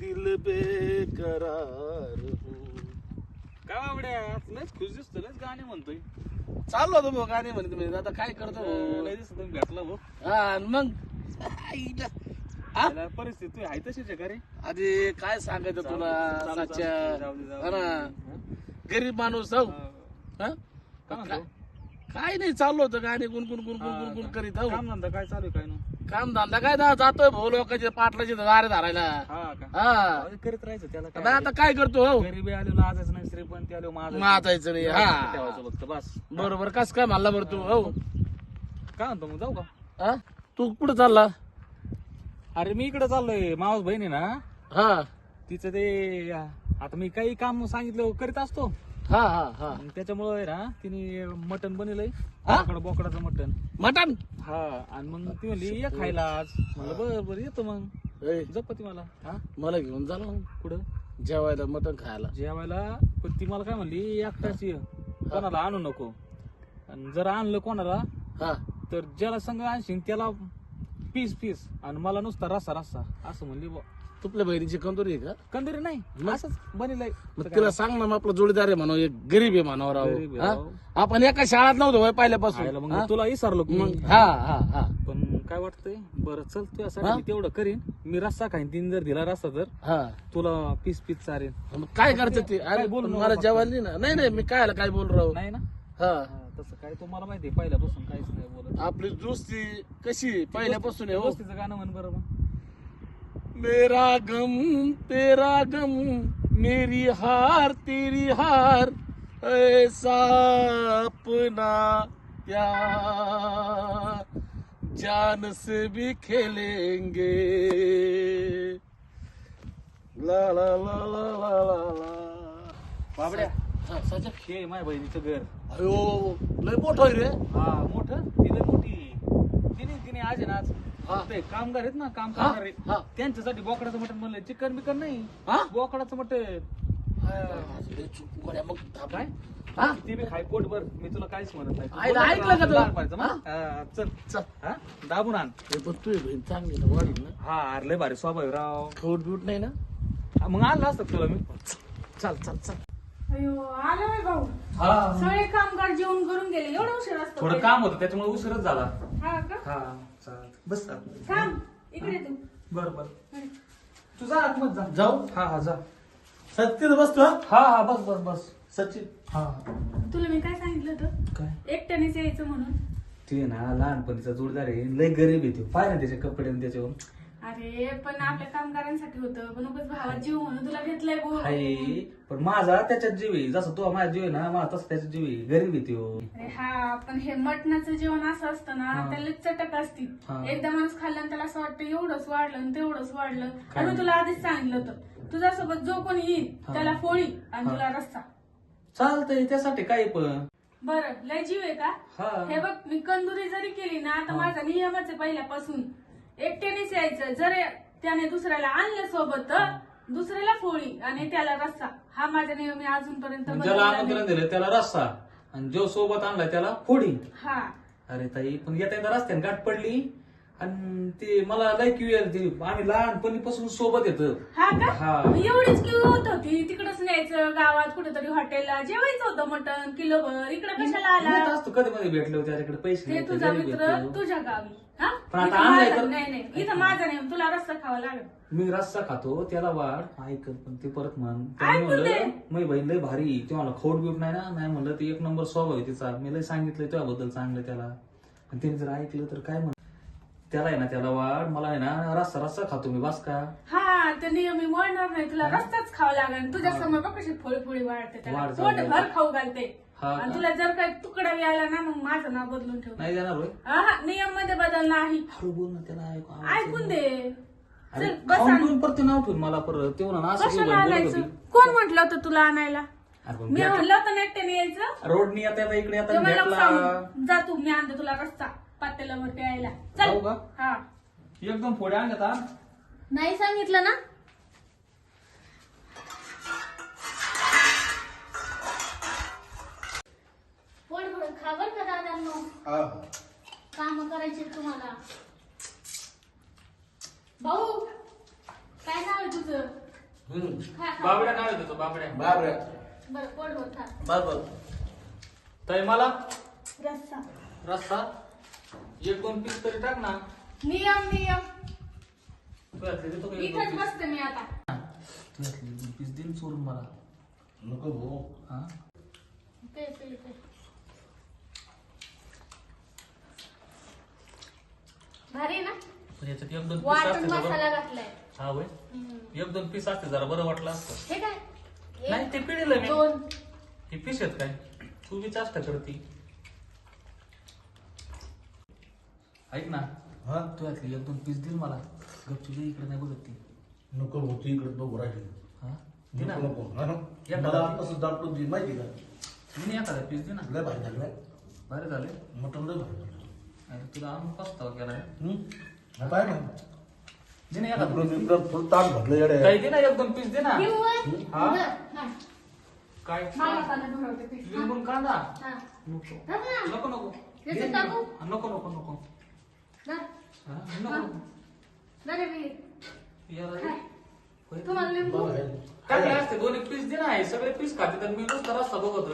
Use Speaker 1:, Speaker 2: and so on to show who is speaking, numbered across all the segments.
Speaker 1: दिल बेकरार हूँ.
Speaker 2: काय बाबड्या लयच खुश दिसतो लयच गाणे म्हणतोय.
Speaker 1: चाललो होतो भाऊ गाणे म्हणते म्हणजे आता काय करतो भाऊ?
Speaker 2: लय दिसतो तुम्ही भेटला भाऊ.
Speaker 1: हा आणि मग आईला. हा?
Speaker 2: त्याला परिस्थिती आहे तशीच आहे का रे.
Speaker 1: अरे काय सांगायचं तुला सच्च्या हा ना. गरीब माणूस हो हा?
Speaker 2: काय म्हणतो?
Speaker 1: काय नाही चाललो होतं गाणे गुणगुण गुणगुण गुणगुण करीत हो.
Speaker 2: काम धंदा काय चालू आहे काय ना.
Speaker 1: काम धंदा काय जातोय भाऊ लोकांचे पाटलाचे दारे धरायला.
Speaker 2: हा का
Speaker 1: हा
Speaker 2: करीत राहायचं त्याला
Speaker 1: आता
Speaker 2: काय.
Speaker 1: आता काय करतो हो
Speaker 2: गरीबी आलेलो आजच नाही श्रीपंत आलो माझं
Speaker 1: मातायचं नाही हा
Speaker 2: ठेवायचं फक्त बस.
Speaker 1: बरोबर कस काय म्हणला बरं तू हो
Speaker 2: काय म्हणतो मग जाऊ का.
Speaker 1: हा? तू कुठं चालला
Speaker 2: अरे मी इकडे चाललोय मावस बहीण आहे ना
Speaker 1: हा
Speaker 2: तिचं ते आता मी काही काम सांगितलं करीत असतो.
Speaker 1: हा हा हा
Speaker 2: मग त्याच्यामुळे ना तिने मटण बनवलंय
Speaker 1: हा?
Speaker 2: बोकडाचं मटण.
Speaker 1: मटण
Speaker 2: हा आणि मग ती म्हणली ये खायला आज म्हणलं बरं बरं येतो मग
Speaker 1: ए,
Speaker 2: जपती मला. हा
Speaker 1: मला घेऊन जा ना
Speaker 2: कुठं
Speaker 1: जेवायला मटण खायला
Speaker 2: जेवायला. पण ती मला काय म्हणली एकटाच ये कोणाला आणू नको आणि जर आणलं कोणाला
Speaker 1: हा
Speaker 2: तर ज्याला संग आणशील त्याला पीस पीस आणि मला नुसता रस्सा रस्सा असं म्हणली बुवा.
Speaker 1: तुपल्या बहिणीची कंदुरी आहे का
Speaker 2: कंदरी नाही असंच बनिलंय.
Speaker 1: मग तिला सांग ना मग आपला जोडीदार आहे म्हणा एक गरीब आहे म्हणावं
Speaker 2: गरीब आहे,
Speaker 1: राव
Speaker 2: राव.
Speaker 1: हा? आपण एका शाळेत नव्हतो होय पहिल्यापासून
Speaker 2: खायला मग
Speaker 1: हा?
Speaker 2: तुला विसरलो की
Speaker 1: मग हा हा हा
Speaker 2: पण काय वाटतंय बरं चल
Speaker 1: हा?
Speaker 2: तुझ्यासाठी मी तेवढं करीन. मी रस्सा खाईन तीन जर दिला रस्सा तर
Speaker 1: हा
Speaker 2: तुला पीस पीस चारेन.
Speaker 1: मग काय करायचं ते
Speaker 2: काय
Speaker 1: अरे
Speaker 2: बोलू
Speaker 1: पण
Speaker 2: नको
Speaker 1: मला
Speaker 2: फक्त.
Speaker 1: जेवायला नाही ना नाही नाही मी काय काय बोल राव
Speaker 2: नाही ना
Speaker 1: हा
Speaker 2: हा, तसं काय तुम्हाला माहिती आहे पहिल्यापासून काहीच नाही बोलत.
Speaker 1: आपली दोस्ती कशी पहिल्यापासून आहे हो
Speaker 2: दोस्तीचं गाणं म्हण बरं मग.
Speaker 1: मेरा गम तेरा गम मेरी हार तेरी हार ऐसा अपना प्यार जान से भी खेलेंगे ला ला ला ला ला ला ला
Speaker 2: बाबड्या
Speaker 1: हा, सचा.
Speaker 2: हे माझ्या बहिणीचं घर.
Speaker 1: अयो लय मोठं आहे रे
Speaker 2: हा मोठं ती लय मोठी. तिने आज आहे ना आज
Speaker 1: हा.
Speaker 2: ते कामगार आहेत ना काम
Speaker 1: हा,
Speaker 2: करणारे
Speaker 1: हा.
Speaker 2: त्यांच्यासाठी बोकडाचं मटण बनलंय. चिकन बिकन नाही
Speaker 1: हा?
Speaker 2: बोकडाचं मटण.
Speaker 1: लय चुप गड्या, मग
Speaker 2: काय
Speaker 1: हा?
Speaker 2: ती बी खाय पोटभर मी तुला काहीच म्हणत नाही.
Speaker 1: आईला ऐकलं का तू?
Speaker 2: लहानपणाचं मग. हा, चल
Speaker 1: चल.
Speaker 2: हा दाबून आण.
Speaker 1: हे पण तू बहीण चांगली ना वाढील ना
Speaker 2: हा अरे लय भारी स्वभाव आहे राव.
Speaker 1: खोट बिट नाही ना
Speaker 2: हा, मग आणलं असतं तुला मी.
Speaker 1: चल चल चल
Speaker 3: अयो आलो रे भाऊ.
Speaker 2: हा
Speaker 3: सगळे कामगार जेवण करून गेले एवढं उशीर असतो
Speaker 2: थोडं काम होतं त्याच्यामुळे उशीरच झाला.
Speaker 3: हा का
Speaker 2: हा चालत बस आतमध्ये.
Speaker 3: थांब इकडे तू
Speaker 2: बर बर तू जा आतमध्ये जा.
Speaker 1: जाऊ
Speaker 2: हा हा जा.
Speaker 1: सत्य बसतो
Speaker 2: हा हा बस बस बस.
Speaker 1: सचिन
Speaker 2: हा
Speaker 3: तुला मी काय सांगितलं होतं
Speaker 2: काय
Speaker 3: एकट्यानेच यायचं म्हणून.
Speaker 2: ते ना लहानपणीचा जोडदार आहे लय गरीब आहे. पाय ना त्याचे कपडे आणि त्याच्यावर.
Speaker 3: अरे पण आपल्या कामगारांसाठी होतं पण उगाच भावात जीव म्हणून तुला घेतलंय भाऊ.
Speaker 2: आहे पण माझा त्याच्यात जीव आहे. जसं तो माझा जीव आहे ना मला तसं त्याच्यात जीव आहे. गरीब आहे तो.
Speaker 3: अरे हा पण हे मटणाचं जेवण असं असतं ना
Speaker 2: हा.
Speaker 3: त्याला चटक असती.
Speaker 2: हा.
Speaker 3: एकदा माणूस खाल्लं आणि त्याला असं वाटतं एवढंच वाढलं आणि तेवढंच वाढलं.
Speaker 2: काय?
Speaker 3: आणि तुला आधीच सांगितलं होतं तुझ्यासोबत जो कोणी येईल
Speaker 2: हा.
Speaker 3: त्याला फोडी आणि
Speaker 2: हा.
Speaker 3: तुला रस्ता.
Speaker 2: चालतंय त्यासाठी काही पण.
Speaker 3: बरं लय जीव आहे का.
Speaker 2: हा
Speaker 3: हे बघ मी कंदुरी जरी केली ना आता
Speaker 2: हा.
Speaker 3: माझा नियमच आहे पहिल्यापासून एकट्यानेच यायचं. जर त्याने दुसऱ्याला आणलं सोबत तर दुसऱ्याला फोळी आणि त्याला रस्सा. हा माझा नियम मी अजूनपर्यंत
Speaker 2: ज्याला
Speaker 3: बदलला
Speaker 2: आमंत्रण
Speaker 3: नाही.
Speaker 2: दिलं त्याला रस्सा आणि जो सोबत आणलाय त्याला फोडी.
Speaker 3: हा
Speaker 2: अरे ताई पण येता येता रस्त्याने गाठ पडली आणि ते मला लय क्यू यायला ती. आम्ही लहानपणीपासून सोबत येत.
Speaker 3: हा का
Speaker 2: हा.
Speaker 3: एवढीच किव होत होती तिकडच न्यायचं गावात कुठेतरी हॉटेलला जेवायचं होतं मटण किलोभर. इकडे कशाला आला
Speaker 2: असतो कधी मध्ये भेटलो त्याच्याकडे पैसे
Speaker 3: ते
Speaker 2: नाही,
Speaker 3: तुझा
Speaker 2: गरीब
Speaker 3: मित्र
Speaker 2: आहे तो.
Speaker 3: तुझ्या गावी. हा
Speaker 2: पण आता
Speaker 3: इथं
Speaker 2: आणलंय
Speaker 3: माझा-
Speaker 2: तर-
Speaker 3: नाही नाही इथं माझा नियम तुला रस्सा खावा लागेल.
Speaker 2: मी रस्सा खातो त्याला वाढ ऐक पण ते परत म्हण.
Speaker 3: ऐकून
Speaker 2: म्हणलं
Speaker 3: दे.
Speaker 2: मी बहीण लय भारी ते मला खोट बीट नाही ना. नाही म्हणलं ते एक नंबर स्वभाव आहे तिचा. मी लय सांगितलंय तुझ्याबद्दल चांगलं त्याला. आणि त्याने जर ऐकलं तर काय म्हण. त्याला आहे ना त्याला वाढ मला आहे ना रस्सा रस्सा खातो मी बस का.
Speaker 3: हा ते नियम मी वळणार नाही तुला रस्ताच खावा लागेल. तुझ्या समोर बघ कशी फोळी फोळी वाढते त्याला
Speaker 2: वाढ
Speaker 3: पोट
Speaker 2: चालू
Speaker 3: भर
Speaker 2: आहे.
Speaker 3: खाऊ घालते.
Speaker 2: हा
Speaker 3: आणि
Speaker 2: का?
Speaker 3: तुला जर काही तुकडा आला ना मग माझं नाव बदलून ठेव.
Speaker 2: नाही देणार होय.
Speaker 3: हा नियम मध्ये बदल नाही.
Speaker 2: हळू बोल ना त्याला ऐकू.
Speaker 3: ऐकून दे.
Speaker 2: अरे
Speaker 3: चल, बस
Speaker 2: खाऊन
Speaker 3: आण.
Speaker 2: पिऊन परत ते नाव ठेवून मला परत ते म्हणा असं
Speaker 3: कशाला
Speaker 2: बोलत
Speaker 3: आणायचं
Speaker 2: होती.
Speaker 3: कोण म्हटलं होतं तुला आणायला.
Speaker 2: अरे पण
Speaker 3: मी
Speaker 2: भेट-
Speaker 3: म्हणलं होतं ना एकट्याने यायचं.
Speaker 2: रोडनी आता येता इकडे
Speaker 3: ते
Speaker 2: आता
Speaker 3: मला
Speaker 2: भेटला.
Speaker 3: सांग जा तू मी आणते तुला रस्ता पातेला वर प्यायला.
Speaker 2: जाऊ
Speaker 3: चल
Speaker 2: का?
Speaker 3: हा
Speaker 2: एकदम फोड्या आणल्यात हा.
Speaker 3: नाही सांगितलं ना. पोट भरून खा बरं का दादांनो. काम करायचे तुम्हाला. भाऊ काय नाव आहे तुझं.
Speaker 2: बाबड्या नाव देतो बाबड्या.
Speaker 3: बरं पोट भर खा.
Speaker 1: बरोबर.
Speaker 2: ताई मला
Speaker 3: रस्सा.
Speaker 2: रस्सा 1-2 पीस तरी टाक ना.
Speaker 3: नियम
Speaker 2: तू यातले देतो का 1-2
Speaker 3: इथंच
Speaker 2: पीस?
Speaker 3: बसते मी आता.
Speaker 2: तू यातले 2 पीस दे चोरून मला.
Speaker 1: नको भाऊ.
Speaker 2: हा
Speaker 3: पे. भारी आहे ना.
Speaker 2: पण याच्यात 1-2 पीस
Speaker 3: वाटून
Speaker 2: असते
Speaker 3: मसाला
Speaker 2: जरा.
Speaker 3: घातलाय.
Speaker 2: हा होय. 1-2 पीस असते जरा बरं वाटलं असतं.
Speaker 3: हे काय
Speaker 2: नाही ते पिढीला मी
Speaker 3: 2.
Speaker 2: हे पीस आहेत काय तू बी जास्त करती. ऐक ना
Speaker 1: हा
Speaker 2: तू यातले 1-2 पीस दिल मला. गपचूप दे, इकडे नाही बघत ती.
Speaker 1: नको भाऊ, तू इकडे बघू राहिली.
Speaker 2: हा दे ना.
Speaker 1: नको हा ना.
Speaker 2: या
Speaker 1: मला
Speaker 2: का?
Speaker 1: आताच दाटून दे माहिती का.
Speaker 2: दे ना एखादा पीस दे ना.
Speaker 1: लय भारी झालं.
Speaker 2: बरं झाले.
Speaker 1: मटण लय भारी झालं.
Speaker 2: अरे तुला आणून पस्तावा केला
Speaker 1: हा पाय ना.
Speaker 2: दे ना एखादा.
Speaker 1: इकडं फुल ताट भरलं येडे.
Speaker 2: काही दे ना 1-2 पीस दे ना. हा?
Speaker 3: हा.
Speaker 2: काय
Speaker 3: मला पाण्यात भरवते पीठ. हा.
Speaker 2: लिंबून कांदा
Speaker 3: हा.
Speaker 2: नको
Speaker 3: टाक ना.
Speaker 2: नको नको
Speaker 3: याच्यात टाकू?
Speaker 2: नको नको नको
Speaker 3: धर.
Speaker 2: हा, नको
Speaker 3: धर हे पीठ.
Speaker 2: याला
Speaker 3: काय?
Speaker 2: होय.
Speaker 3: तुम्हाला लिंबू.
Speaker 1: बघ हे.
Speaker 2: टाकले असते 2 पीस दे ना. हे सगळे पीस खाते तर मी नुसता रस्ता बघतो.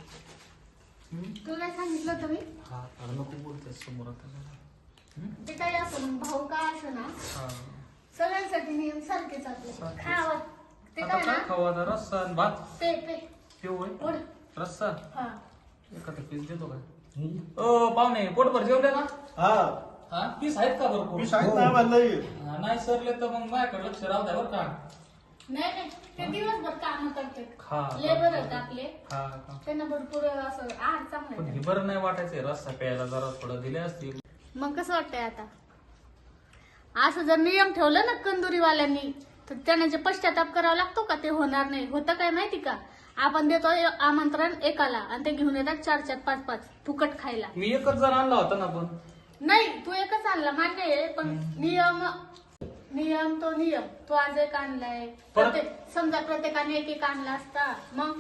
Speaker 3: तुला सांगितलं होतं मी.
Speaker 2: हा अरे नको बोलते समोर आता जरा.
Speaker 3: ते काय असं भाऊ का असं ना
Speaker 2: हा
Speaker 3: सगळ्यांसाठी नियम सारखेच आपले. खावं ते
Speaker 2: आता
Speaker 3: काय ना
Speaker 2: काय खाऊ आता रस्सा आणि भात
Speaker 3: पे.
Speaker 2: हे होय
Speaker 3: ओढ.
Speaker 2: रस्सा
Speaker 3: हा.
Speaker 2: एखादा पीस देतो काय.
Speaker 1: हम्म.
Speaker 2: पाहुणे पोटभर जेवले ना.
Speaker 1: हा
Speaker 2: हा पीस आहेत का भरपूर.
Speaker 1: मी शाळेत नाही म्हणलंय.
Speaker 2: हा, नाही सरले तर मग माझ्याकडे लक्ष राहू द्या बरं का.
Speaker 3: नाही ते दिवसभर काम करतात.
Speaker 2: खा
Speaker 3: लेबर आहेत आपले.
Speaker 2: हा का.
Speaker 3: त्यांना भरपूर असं आहार चांगला
Speaker 2: पण
Speaker 3: आहे.
Speaker 2: हे बरं नाही वाटायचंय रस्सा प्यायला जरा थोडं दिले असतील.
Speaker 3: मग कसं वाटतंय आता असं जर नियम ठेवलं ना कंदुरीवाल्यांनी तर त्यांना जे पश्चाताप करावा लागतो का ते होणार नाही. होतं काय माहिती का आपण देतो आमंत्रण एकाला आणि ते घेऊन येतात 4-4, 5-5 फुकट खायला.
Speaker 2: मी एकच जण आणला होता ना पण.
Speaker 3: नाही तू एकच आणला मान्य आहे पण नियम तो नियम. तू आज एक आणलाय समजा प्रत्येकाने एक आणला असता मग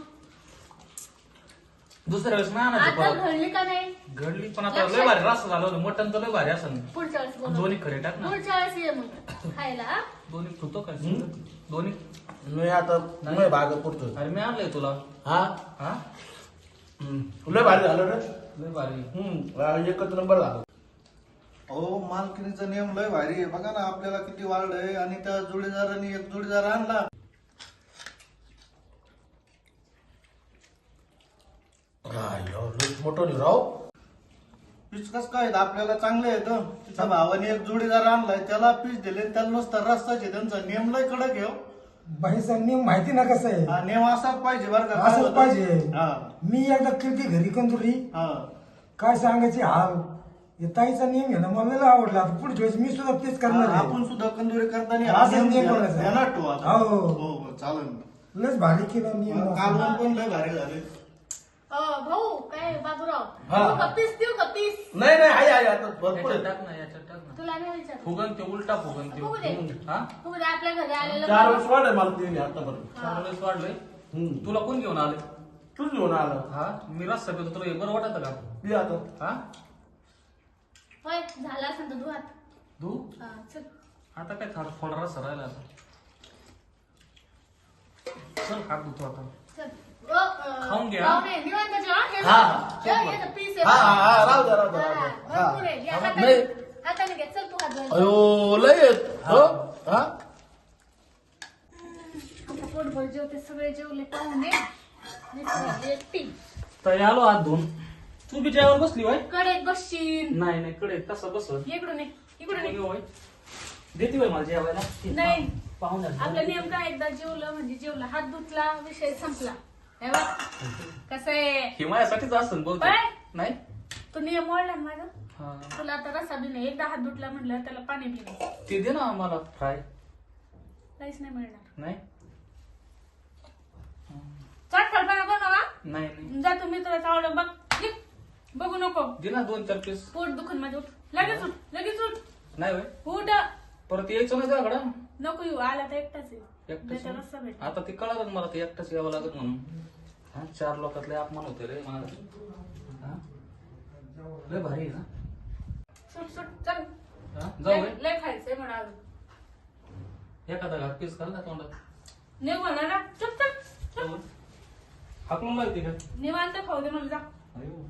Speaker 2: दुसऱ्या वेळेस नाही आणायचं
Speaker 3: आता
Speaker 2: परत.
Speaker 3: घडली का नाही.
Speaker 2: घडली पण आता लय भारी रस्सा झालं होतं. मटण तर लय भारी असं.
Speaker 3: पुढच्या वेळेस बोलू.
Speaker 2: दोन्ही खरे टाक ना.
Speaker 3: पुढच्या वेळेस ये मग खायला. हा?
Speaker 2: दोन्ही ठेवतो काय दोन्ही.
Speaker 1: मी आता नाही भाग पुरतो.
Speaker 2: अरे मी आणलंय तुला.
Speaker 1: हा
Speaker 2: हा
Speaker 1: लय भारी झालं रे.
Speaker 2: लय भारी.
Speaker 1: एकच नंबर झाला.
Speaker 4: अहो मालकिनीचा नियम लय भारी आहे. बघा ना आपल्याला किती वाढलंय आणि त्या जोडीदाराने एक जोडीदार आणला.
Speaker 1: मोठं राव.
Speaker 4: पीस कस काय आपल्याला चांगले आहेत. तिच्या भावाने एक जोडीदार आणलाय त्याला पीस दिले त्याला नुसतं रस्ताचे त्यांचा नियम लय कडक आहे.
Speaker 5: बाईचा नियम माहिती ना कसं आहे.
Speaker 4: हा नियम असाच पाहिजे बरं का.
Speaker 5: असंच पाहिजे.
Speaker 4: हा
Speaker 5: मी एकदा किती घरी कंदुरी
Speaker 4: हा
Speaker 5: काय सांगायची हाल. हे ताईचा नियम आहे ना मला लय आवडला. आता पुढच्या वेळेस मी सुद्धा तेच करणार आहे.
Speaker 4: आपण सुद्धा कंदुरी करताना
Speaker 5: हा,
Speaker 4: हा नियम
Speaker 5: नियम करायचा.
Speaker 4: ध्यानात ठेवू आता.
Speaker 5: हो.
Speaker 4: हो चालेल.
Speaker 5: लयच भारी केलं नियम.
Speaker 4: कालवण पण लय भारी झाले.
Speaker 3: भाऊ काय बाबूराव
Speaker 1: हा.
Speaker 3: देऊ का पीस देऊ का पीस.
Speaker 1: नाही आहे आता भरपूर
Speaker 2: याच्यात
Speaker 1: आहे.
Speaker 2: टाक ना याच्यात टाक ना.
Speaker 3: तुला नाही विचार
Speaker 2: फुगन ते उलटा फुगन ते.
Speaker 3: फुगू दे.
Speaker 2: हा
Speaker 3: फुगू दे. आपल्या घरी आलेलं
Speaker 1: 4 वर्ष वाढ आहे मला तिने आतापर्यंत.
Speaker 2: चांगलंच वाढलंय. तुला कोण घेऊन आले.
Speaker 1: तूच घेऊन आला.
Speaker 2: हा मी रस्सा पेतो तुला हे बरं वाटत का.
Speaker 1: ये आता.
Speaker 2: हा
Speaker 3: होय झाला असेल तर धुवात.
Speaker 2: धू.
Speaker 3: हा चल.
Speaker 2: आता काय थोडा रस्सा राहिला आता. चल हात धुतो आता.
Speaker 3: चल.
Speaker 2: खाऊन घ्या.
Speaker 3: पाहुणे, निवांत जेवा. हे
Speaker 1: हा,
Speaker 3: बघ. हे घे, पीस आहे.
Speaker 1: राहू द्या राहू द्या, राहू
Speaker 3: हा,
Speaker 1: द्या. हा.
Speaker 3: भरपूर आहे. या
Speaker 1: नाही.
Speaker 3: हाताने घे. चल तू हात धुवायला.
Speaker 1: अयो लय आहेत. हो हा
Speaker 3: आता पोटभर जेवते सगळे जेवले पाहुणे. मी सगळी एकटी.
Speaker 2: तर आलो हात धुवून. तू बी जेवायला बसली होय.
Speaker 3: कडेत बसशील.
Speaker 2: नाही कळे कसं बसल.
Speaker 3: इकडून ये. इकडून ये.
Speaker 2: होय देते होय मला जेवायला.
Speaker 3: नाही.
Speaker 2: पाहुण्या
Speaker 3: आपला नियम काय एकदा जेवलं म्हणजे जेवलं. हात धुतला विषय संपला. हे बघ कसं आहे.
Speaker 2: हे माझ्यासाठीच असं बहुतेक.
Speaker 3: बाय.
Speaker 2: नाही
Speaker 3: तू नियम मोडला ना माझा.
Speaker 2: हा.
Speaker 3: तुला आता रसा बी नाही. एकदा हात धुतला म्हटलं त्याला पाणी पिणे
Speaker 2: ते दे ना मला फ्राय.
Speaker 3: काहीच नाही मिळणार.
Speaker 2: नाही
Speaker 3: चटपटपणा बनवा.
Speaker 2: नाही नाही
Speaker 3: जा तुम्ही तुला चावलं बघ. निघ. बघू नको.
Speaker 2: दे ना 2-4 पीस.
Speaker 3: पोट दुखन माझं. उठ. लगेच उठ. लगेच उठ.
Speaker 2: नाही होय
Speaker 3: उठ.
Speaker 2: परत यायचं नाही त्याकडं.
Speaker 3: नको येऊ. आला तर एकटाच आहे.
Speaker 2: एकटाच
Speaker 3: त्याचा रस्सा भेट.
Speaker 2: आता ते कळलं मला ते एकटाच यावं लागत म्हणून. हा 4 लोकातले अपमान होते रे मला. हा लय भारी आहे ना.
Speaker 3: सुट सुट चल.
Speaker 2: हा, जाऊ
Speaker 3: लय खायचंय म्हणा अजून.
Speaker 2: एखादा घात पीस खाल ना तोंडात.
Speaker 3: नाही म्हणा ना चुप चुप
Speaker 2: हाकलून लागते का
Speaker 3: निवांत खाऊ दे मला जा.
Speaker 2: अयो.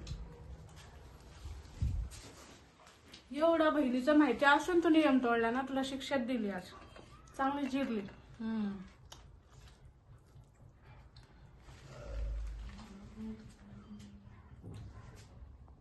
Speaker 3: एवढा बहिणीचं माहिती असून तू नियम तोडला ना तुला शिक्षा दिली आज चांगली जिरली.